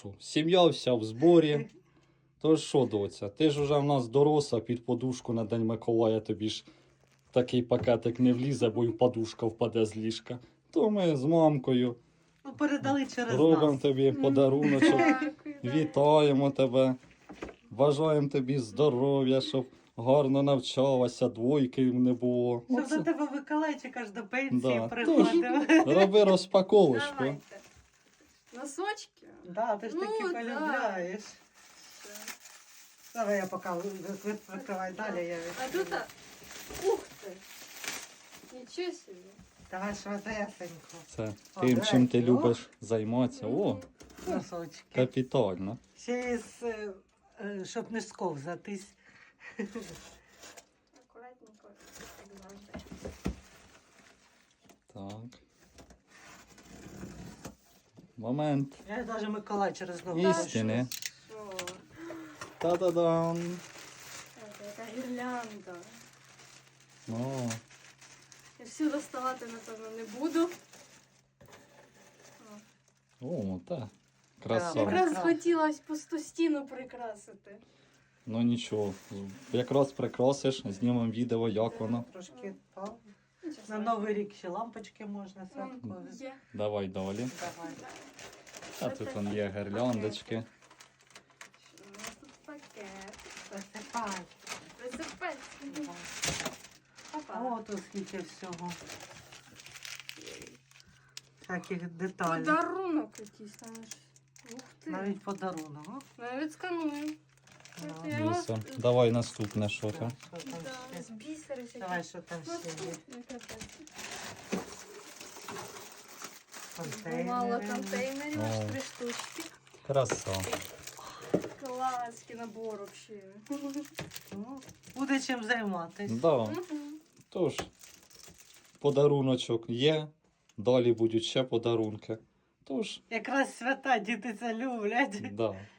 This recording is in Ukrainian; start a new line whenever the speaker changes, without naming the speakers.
що, сім'я вся в зборі. То що, доця, ти ж уже в нас доросла, під подушку на День Миколая тобі ж такий пакетик не влізе, бо й подушка впаде з ліжка. То ми з мамкою
Ну, передали через
робимо
нас.
тобі подаруночок,
Дякую.
вітаємо тебе, бажаємо тобі здоров'я, щоб гарно навчалася, двойки не було.
Щоб
Оце.
до тебе Миколайчик аж до пенсії
Да.
приходив.
Роби розпаковочку.
Давайте. Носочки.
Да, ти ж таки
Ну, да.
полюбляєш. Давай я поки викривай далі. Я
А тут, ух ты. Ничего себе.
Давай швидесенько.
Це тим, чим ти любиш займатися. О,
Мгм.
Носочки.
капітально.
Ще із, щоб не сковзатись.
Аккуратненько, як завжди.
Так. Момент.
Я навіть Миколай через ногу.
Істини.
Що?
Та-да-дам.
Це яка гірлянда.
О,
Я всю доставати, напевно, не буду.
о, так.
Так.
Краса.
Якраз
Прекрасно.
хотілося пусту стіну прикрасити.
Ну нічого. Якраз прикрасиш, знімемо відео, як воно.
Трошки впав.
Нічого
На
страшного.
Новий рік ще лампочки можна
Вон
святкові.
Є.
Давай далі.
Давай.
А тут вон є гирляндочки.
Що у нас тут пакет?
Посипай.
Присипець. Папа.
О, тут скільки всього. Всяких деталей.
Подарунок якийсь там. Ух ти.
Навіть подарунок. О,
Навіть сканую.
да.
Я його-
Дивися. Давай наступне що
Так,
там.
що там
Да, з
ще?
бісери всякі.
Давай, що там
Ну,
ще є?
ну, капець.
Контейнери.
Мало контейнерів, аж
О.
3 штучки.
Краса.
Класький набор вообще.
Ну, буде чим займатися.
Да.
Мгм.
Тож, подаруночок є. Далі будуть ще подарунки. Тож,
Якраз свята діти це люблять.
да.